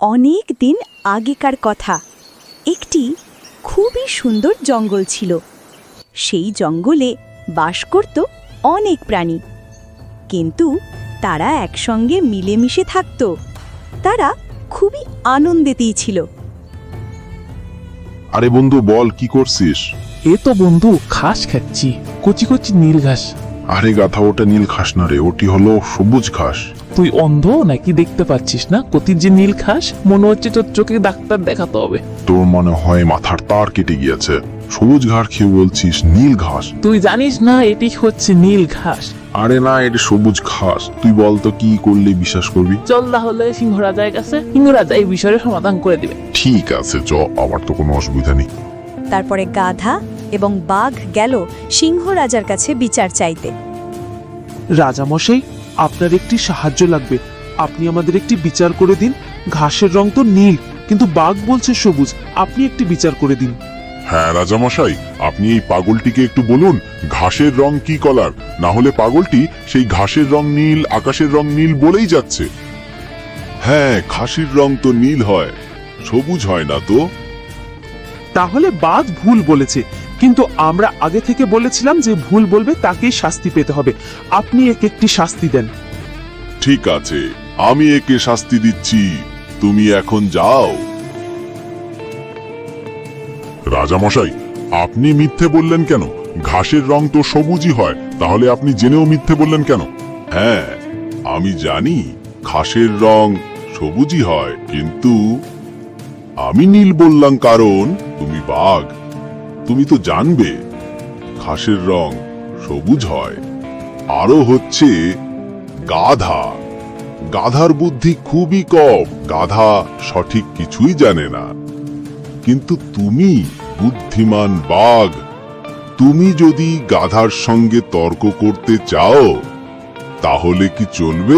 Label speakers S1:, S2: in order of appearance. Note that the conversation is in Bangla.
S1: অনেক দিন আগেকার কথা। একটি খুবই সুন্দর জঙ্গল ছিল। সেই জঙ্গলে বাস করত অনেক প্রাণী, কিন্তু তারা একসঙ্গে মিলেমিশে থাকত। তারা খুবই আনন্দেতেই ছিল।
S2: আরে বন্ধু, বল কি করছিস?
S3: এ তো বন্ধু ঘাস খাচ্ছি, কচি কচি নীল ঘাস।
S2: আরে গাধা, ওটা নীল ঘাস না রে, ওটি হলো সবুজ ঘাস।
S3: তুই অন্ধ নাকি দেখতে পাচ্ছিস না কতির যে নীল ঘাস? মনে হচ্ছে তোর চোখে ডাক্তার দেখাতে হবে।
S2: তোর মনে হয় মাথার তার কেটে গিয়েছে। সবুজ ঘাস খেয়ে বলছিস নীল ঘাস?
S3: তুই জানিস না এটি হচ্ছে নীল ঘাস?
S2: আরে না, এটা সবুজ ঘাস। তুই বল তো কি করলে বিশ্বাস করবি?
S3: চল তাহলে সিংহরাজার কাছে, সিংহরাজা এই বিষয়ে সমাধান করে দিবে।
S2: ঠিক আছে, চ, আমার তো কোনো অসুবিধা নেই।
S1: তারপরে গাধা এবং বাঘ গেল সিংহ রাজার কাছে বিচার চাইতে।
S4: রাজামশাই, আপনার একটি সাহায্য লাগবে। আপনি আমাদের একটি বিচার করে দিন। ঘাসের রং তো নীল, কিন্তু বাঘ বলছে সবুজ। আপনি একটি বিচার করে দিন।
S2: হ্যাঁ রাজামশাই, আপনি এই পাগলটিকে একটু বলুন ঘাসের রং কি কালার, না হলে পাগলটি সেই ঘাসের রং নীল, আকাশের রং নীল বলেই যাচ্ছে। হ্যাঁ, ঘাসের রং তো নীল হয়, সবুজ হয় না তো।
S4: তাহলে বাঘ ভুল বলেছে, কিন্তু আমরা আগে থেকে বলেছিলাম যে ভুল বলবে তাকেই শাস্তি পেতে হবে। আপনি একে একটি শাস্তি দেন।
S2: ঠিক আছে, আমি একে শাস্তি দিচ্ছি, তুমি এখন যাও। রাজামশাই, আপনি মিথ্যে বললেন কেন? ঘাসের রং তো সবুজই হয়, তাহলে আপনি জেনেও মিথ্যে বললেন কেন? হ্যাঁ, আমি জানি ঘাসের রং সবুজই হয়, কিন্তু আমি নীল বললাম কারণ তুমি বাঘ। তুমি তো জানবে ঘাসের রং সবুজ হয়। আরো হচ্ছে গাধা। গাধার বুদ্ধি খুবই কম, গাধা সঠিক কিছুই জানে না। কিন্তু তুমি বুদ্ধিমান বাঘ, তুমি যদি গাধার সঙ্গে তর্ক করতে চাও তাহলে কি চলবে?